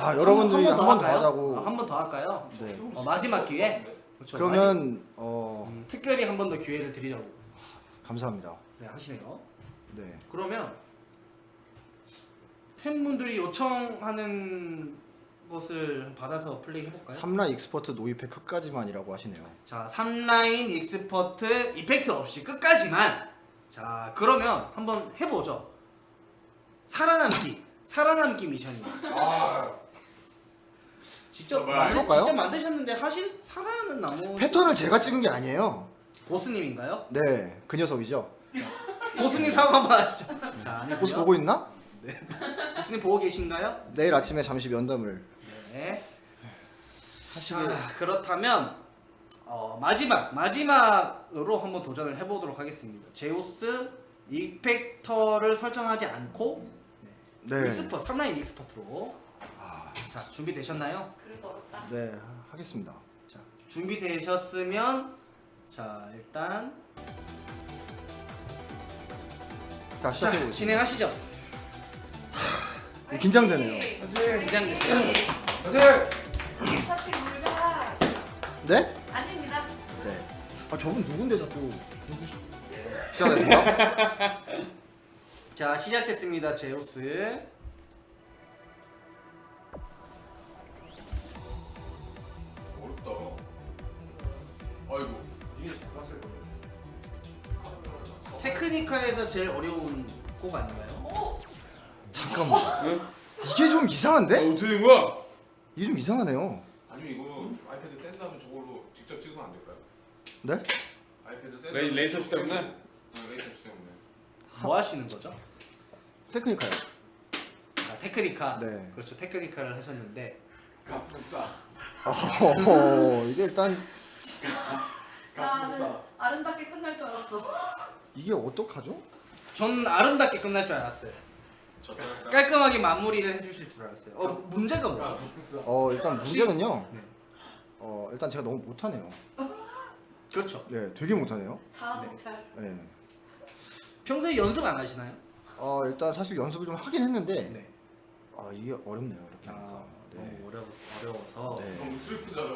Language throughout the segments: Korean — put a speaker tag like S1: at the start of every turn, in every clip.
S1: 아 여러분들이 한 번 더
S2: 할까요?
S1: 하자고.
S2: 한 번 더 할까요?
S1: 네.
S2: 마지막 기회. 그렇죠.
S1: 그러면
S2: 특별히 한 번 더 기회를 드리자고.
S1: 감사합니다.
S2: 네, 하시네요.
S1: 네.
S2: 그러면 팬분들이 요청하는 것을 받아서 플레이 해볼까요?
S1: 3라 익스퍼트 노이팩 끝까지만이라고 하시네요.
S2: 자, 3라인 익스퍼트 이펙트 없이 끝까지만. 자, 그러면 한번 해보죠. 살아남기 미션이에요.
S3: 아,
S2: 직접
S1: 해볼까요?
S2: 직접 만드셨는데 하실 살아나는 나무
S1: 패턴을 제가 찍은 게 아니에요.
S2: 고수님인가요?
S1: 네, 그 녀석이죠.
S2: 고수님 사과 한번 하시죠. 자, 아니고요.
S1: 고수 보고 있나?
S2: 고수님 보고 계신가요?
S1: 내일 아침에 잠시 면담을
S2: 네.
S1: 하시게.
S2: 자, 그렇다면 마지막으로 한번 도전을 해보도록 하겠습니다. 제우스 이펙터를 설정하지 않고
S1: 네.
S2: 익스퍼트 3라인 익스퍼트로. 자, 준비되셨나요?
S4: 그래도 어렵다.
S1: 네, 하겠습니다.
S2: 자, 준비되셨으면 자, 일단
S1: 자,
S2: 자,
S1: 시작해보겠습니다.
S2: 진행하시죠.
S1: 긴장되네요.
S2: 긴장됐어요?
S4: 어차피 물가
S1: 네?
S4: 아닙니다.
S1: 네. 아, 저분 누군데 자꾸 시작하겠습니다.
S2: 자, 시작됐습니다. 제우스.
S3: 어렵다. 아이고, 이게 빡셀 거네.
S2: 테크니카에서 제일 어려운 곡 아닌가요?
S4: 오!
S1: 잠깐만. 이게 좀 이상한데?
S3: 어떻게 된 거야?
S1: 이게 좀 이상하네요.
S3: 아니면 이거 아이패드 뗀 다음에 저걸로 직접 찍으면 안 될까요?
S1: 네?
S3: 아이패드 뗀
S5: 레이터시 때문에?
S3: 네, 레이터시 때문에.
S2: 뭐 하시는 거죠?
S1: 테크니카요.
S2: 아, 테크니카.
S1: 네.
S2: 그렇죠. 테크니카를 하셨는데
S3: 가품싸.
S1: 이게 일단
S4: 나는 아름답게 끝날 줄 알았어.
S1: 이게 어떡하죠?
S2: 전 아름답게 끝날 줄 알았어요.
S3: 졌잖아.
S2: 깔끔하게 마무리를 해주실 줄 알았어요. 문제가 뭐죠?
S3: 가품싸.
S1: 일단 문제는요.
S2: 네.
S1: 일단 제가 너무 못하네요.
S2: 그렇죠.
S1: 네, 되게 못하네요.
S4: 자아성찰.
S1: 네.
S2: 평소에 연습 안 하시나요?
S1: 일단 사실 연습을 좀 하긴 했는데
S2: 네.
S1: 이게 어렵네요. 이렇게 하니까.
S2: 아,
S1: 네.
S2: 너무 어려워서.
S1: 네.
S3: 너무 슬프잖아.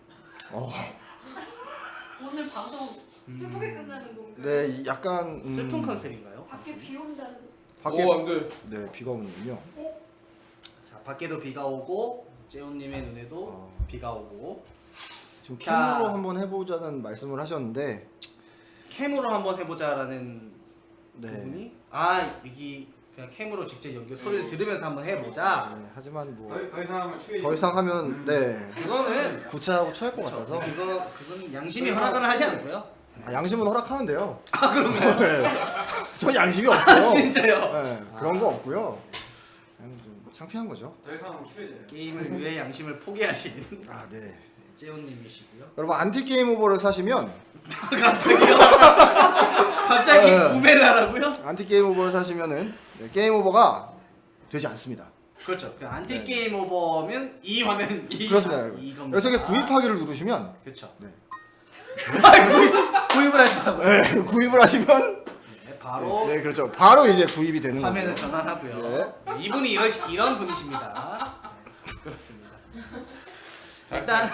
S4: 오늘 방송 슬프게 끝나는 건가요?
S1: 네, 약간
S2: 슬픈 컨셉인가요?
S4: 밖에 비 온다는.
S1: 밖에
S3: 오, 안 돼.
S1: 네, 비가 오는군요.
S2: 자, 밖에도 비가 오고 재훈님의 눈에도
S1: 아.
S2: 비가 오고.
S1: 지금
S2: 자.
S1: 캠으로 한번 해보자는 말씀을 하셨는데
S2: 캠으로 한번 해보자라는
S1: 네.
S2: 부분이 여기 그냥 캠으로 직접 연결 소리를 들으면서 한번 해보자.
S1: 네, 하지만 뭐
S3: 더 이상 하면 추해.
S1: 더 이상 하면 네
S2: 그거는
S1: 구차하고 취할 것 같아서
S2: 그건 양심이 허락을 하지 않고요.
S1: 양심은 허락하는데요.
S2: 아, 그런가요?
S1: 네. 전 양심이 없어요.
S2: 진짜요?
S1: 네, 그런 거 없고요. 그냥 좀 창피한 거죠.
S3: 더 이상 하면 추해져요.
S2: 게임을 위해 양심을 포기하신
S1: 네.
S2: 재훈님이시고요.
S1: 여러분 안티 게임 오버를 사시면
S2: 갑자기요? 갑자기
S1: 네.
S2: 구매를 하라고요?
S1: 안티 게임 오버를 사시면은 게임 오버가 되지 않습니다.
S2: 그렇죠. 그 안티 게임 오버면 이 화면
S1: 그렇습니다.
S2: 이겁니다.
S1: 여기서 구입하기를 누르시면
S2: 그렇죠.
S1: 네.
S2: 구입을 하시라고요.
S1: 네, 구입을 하시면
S2: 네, 바로
S1: 네 그렇죠. 바로 이제 구입이 되는
S2: 화면을
S1: 거예요.
S2: 전환하고요.
S1: 네.
S2: 네, 이분이 이런 분이십니다. 네, 그렇습니다. 일단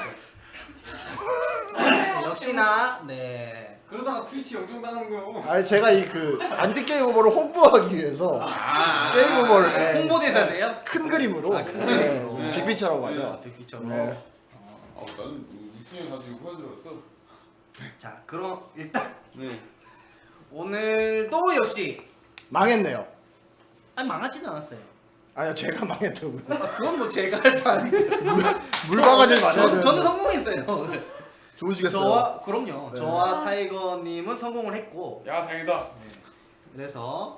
S2: 역시나 네.
S3: 그러다가 트위치 영종 당하는 거요.
S1: 아니 제가 이 그 안티 게임 오버를 홍보하기 위해서 게임 오버를 네,
S2: 홍보대사세요?
S1: 큰 그림으로
S2: 큰 그림으로.
S1: 네, 빅피처라고 하죠.
S2: 빅피처로.
S1: 네.
S3: 나는 우승에 가지고 후회 들었어.
S2: 자, 그럼 일단
S3: 네.
S2: 오늘도 역시
S1: 망했네요.
S2: 망하지는 않았어요.
S1: 아니요 제가 망했다고요.
S2: 그건 뭐 제가 할 판.
S1: 물바가지를 맞아야 되는.
S2: 저는 성공했어요.
S1: 좋으시겠어요.
S2: 그럼요.
S1: 네.
S2: 저와 타이거님은 성공을 했고,
S3: 야, 다행이다.
S2: 그래서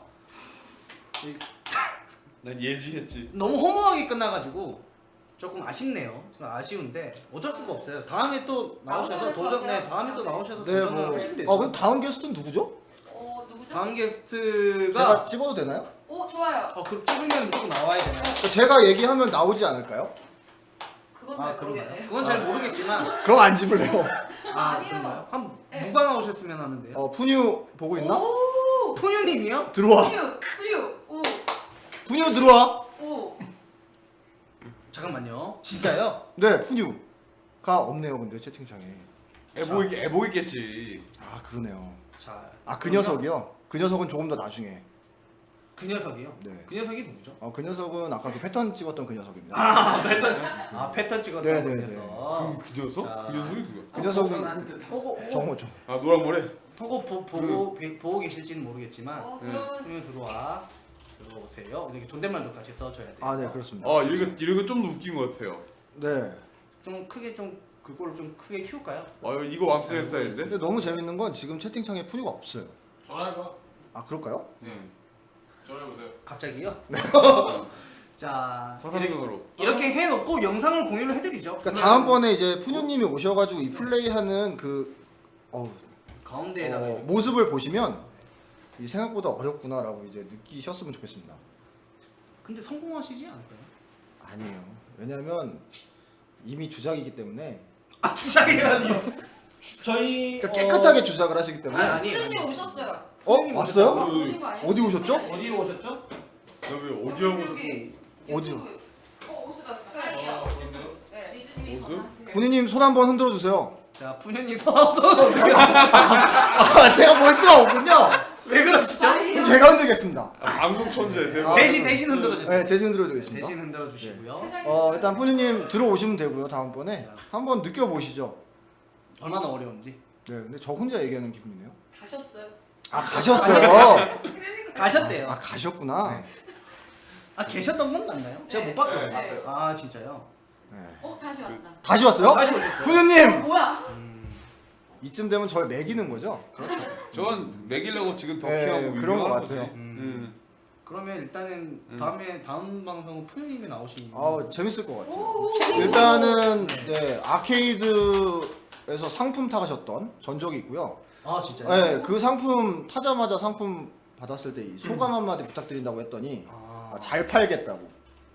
S5: 난 예지했지.
S2: 너무 허무하게 끝나가지고 조금 아쉽네요. 아쉬운데 어쩔 수가 없어요. 다음에 또 나오셔서 다음에 또 나오셔서
S1: 네,
S2: 도전을
S1: 뭐.
S2: 하시면 되죠.
S1: 그럼 다음 게스트는 누구죠?
S4: 누구죠?
S2: 다음 게스트가
S1: 제가 찍어도 되나요?
S4: 오, 좋아요.
S2: 그 찍으면 무조건 나와야 되나요?
S1: 제가 얘기하면 나오지 않을까요?
S4: 그건 잘
S2: 그런가요?
S4: 모르겠네요.
S2: 그건 잘 모르겠지만
S1: 그럼 안 집을래요.
S4: 아니요.
S2: 그런가요? 한
S4: 네.
S2: 누가 나오셨으면 하는데요?
S1: 푸뉴 보고 있나?
S4: 오!
S2: 푸뉴님이요?
S1: 들어와.
S4: 푸유! 오!
S1: 푸뉴 들어와.
S4: 오!
S2: 잠깐만요. 진짜요?
S1: 네, 푸뉴가 없네요. 근데 채팅창에.
S3: 애보이겠지.
S1: 아 그러네요.
S2: 자,
S1: 아 그 녀석이요? 그 녀석은 조금 더 나중에.
S2: 그 녀석이요?
S1: 네.
S2: 그 녀석이 누구죠?
S1: 그 녀석은 아까 그 패턴 찍었던 그 녀석입니다.
S2: 패턴 찍었던
S1: 네,
S2: 그
S1: 네,
S2: 녀석.
S3: 그 녀석?
S2: 자.
S3: 그 녀석이 누구야?
S1: 그 녀석은
S2: 토고
S1: 정호죠.
S3: 아 노란 머리.
S2: 토고 보고 계실지는 모르겠지만
S4: 그러면
S2: 푸뉴 들어오세요. 이렇게 존댓말도 같이 써줘야 돼요.
S1: 아 네 그렇습니다.
S3: 이런 거 좀 더 웃긴 것 같아요.
S1: 네.
S2: 좀 크게 좀 그걸 좀 크게 키울까요?
S3: 이거 왕스의 스타일인데?
S1: 근데 너무 재밌는 건 지금 채팅창에 푸뉴가 없어요.
S3: 전화해봐.
S1: 아 그럴까요?
S3: 전화해보세요.
S2: 갑자기요? 자,
S3: 화상전화로.
S2: 이렇게 해놓고 영상을 공유를 해드리죠.
S1: 그러니까 다음번에 이제 푸뉴님이 오셔가지고 이 플레이하는 그
S2: 가운데에다가 이렇게.
S1: 모습을 보시면 이 생각보다 어렵구나라고 이제 느끼셨으면 좋겠습니다.
S2: 근데 성공하시지 않을까요?
S1: 아니에요. 왜냐하면 이미 주작이기 때문에.
S2: 아 주작이라니요? 저희
S1: 그러니까 깨끗하게 주작을 하시기 때문에.
S2: 아니에요.
S4: 푸른님 오셨어요.
S1: 왔어요?
S4: 푸른님 아니에요?
S1: 어디 오셨죠?
S2: 어디 오셨죠?
S3: 왜 어디 하고
S4: 여기
S1: 어디요?
S4: 유튜브. 오시다. 아니요. 네. 리즈님이
S1: 어,
S4: 전화하세요.
S1: 군인님 손 한번 흔들어 주세요.
S2: 자 푸녀님 손 어떻게?
S1: 제가 볼 수가 없군요.
S2: 왜 그러시죠?
S1: 그럼 제가 흔들겠습니다.
S3: 방송 천재 대박.
S2: 대신 흔들어주세요.
S1: 네, 대신 흔들어 드리겠습니다.
S2: 대신 흔들어 주시고요.
S1: 일단 푸니님 들어오시면 되고요. 다음번에 한번 느껴보시죠.
S2: 얼마나 어려운지.
S1: 네, 근데 저 혼자 얘기하는 기분이네요.
S4: 가셨어요.
S1: 아 가셨어요.
S2: 가셨대요.
S1: 아 가셨구나.
S2: 계셨던 건 맞나요? 제가
S4: 네.
S2: 못 봤거든요.
S3: 네,
S4: 봤어요.
S2: 아 진짜요?
S1: 네.
S4: 다시 왔다.
S1: 다시 왔어요?
S2: 다시 오셨어요.
S1: 푸니님
S4: 뭐야?
S1: 이쯤 되면 저를 매기는 거죠?
S3: 전 먹이려고 지금 더
S1: 네,
S3: 키하고
S1: 그런 것
S3: 유명한
S1: 같아요.
S3: 거지. 응.
S2: 그러면 일단은 다음 방송은 푸녀님이 나오시니.
S1: 재밌을 것 같아요.
S4: 오.
S1: 일단은 네, 아케이드에서 상품 타가셨던 전적이 있고요.
S2: 아 진짜요?
S1: 네, 그 상품 타자마자 상품 받았을 때 이 소감 한마디 부탁드린다고 했더니 잘 팔겠다고.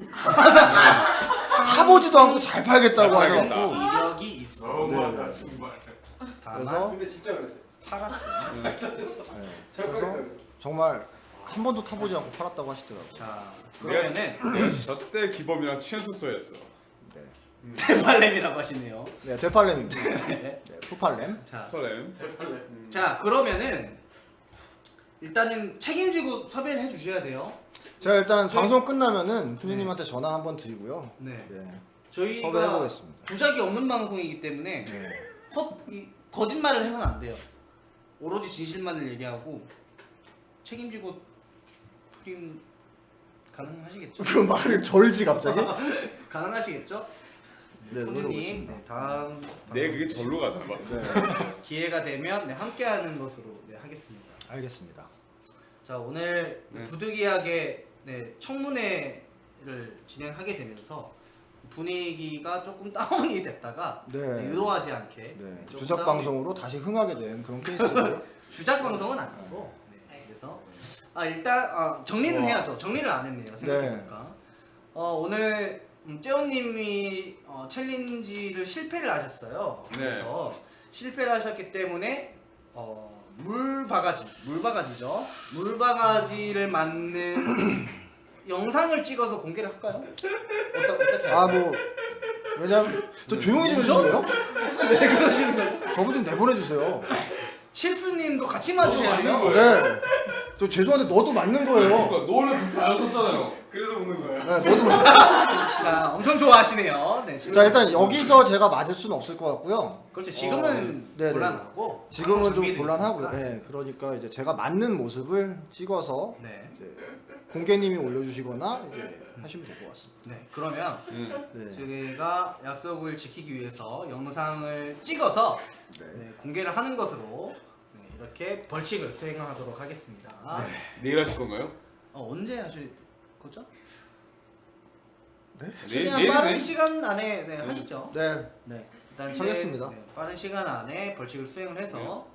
S1: 타보지도 않고 잘 팔겠다고
S3: 잘
S1: 하셔갖고
S2: 이력이 있어.
S3: 너무하다 정말.
S1: 그래서
S5: 근데 진짜 그랬어요.
S2: 팔았어.
S1: 그래서 정말 한 번도 타보지 않고 팔았다고 하시더라고요.
S2: 자 그러면은
S3: 저때 기범이랑 친했었어야했어.
S1: 네,
S2: 대발렘이라고 하시네요.
S1: 네 되팔렘입니다.
S2: 네.
S1: 네, 푸팔렘.
S2: 자,
S3: 설렘.
S2: 자 그러면은 일단은 책임지고 섭외를 해주셔야 돼요.
S1: 제가 일단 방송 끝나면은 푸니님한테 전화 한번 드리고요.
S2: 네.
S1: 네,
S2: 저희가
S1: 섭외해보겠습니다.
S2: 주작이 없는 방송이기 때문에
S1: 네.
S2: 거짓말을 해서는 안 돼요. 오로지 진실만을 얘기하고 책임지고 프림 가능하시겠죠?
S1: 그 말을 절지 갑자기?
S2: 가능하시겠죠?
S1: 네,
S2: 손님
S1: 노려보겠습니다.
S2: 네, 다음
S3: 내 그게 절로 가나 봐.
S1: 네,
S2: 기회가 되면 함께하는 것으로 하겠습니다.
S1: 알겠습니다.
S2: 자 오늘
S3: 네.
S2: 부득이하게 청문회를 진행하게 되면서 분위기가 조금 다운이 됐다가
S1: 네.
S2: 의도하지 않게
S1: 네,
S2: 조금
S1: 주작
S2: 다운이-
S1: 방송으로 다시 흥하게 된 그런 케이스고.
S2: 주작 방송은 아니고 그래서 일단 정리는 해야죠. 정리를 안 했네요. 생각해보니까 오늘 째원님이 챌린지를 실패를 하셨어요.
S3: 네.
S2: 그래서 실패를 하셨기 때문에 물바가지죠. 물바가지를 맞는 영상을 찍어서 공개를 할까요? 어떻게 할까요?
S1: 왜냐면 저 조용히 좀 해주세요.
S2: 왜 그러시는 거죠?
S1: 저분 좀 내보내주세요.
S2: 칩스님도 같이 맞으셔야 돼요.
S3: 맞는
S1: 네. 저 죄송한데 너도 맞는 거예요.
S3: 너를 안 썼잖아요. 그래서 웃는 거야.
S1: 네, 너도.
S2: 자, 엄청 좋아하시네요. 네,
S1: 자 일단 여기서 제가 맞을 수는 없을 것 같고요.
S2: 그렇죠. 지금은
S1: 네네.
S2: 곤란하고
S1: 지금은 좀
S2: 준비돼
S1: 곤란하고요.
S2: 있으니까.
S1: 네, 그러니까 이제 제가 맞는 모습을 찍어서
S2: 네.
S1: 이제 공개님이 올려주시거나 이제 하시면 될 것 같습니다.
S2: 네. 그러면
S1: 네.
S2: 저희가 약속을 지키기 위해서 영상을 찍어서
S1: 네.
S2: 네, 공개를 하는 것으로 이렇게 벌칙을 수행하도록 하겠습니다.
S3: 내일 하실 건가요?
S2: 언제 하실 거죠?
S1: 네?
S2: 최대한 빠른 시간 안에 하시죠.
S1: 네.
S2: 네. 일단
S1: 하겠습니다.
S2: 빠른 시간 안에 벌칙을 수행을 해서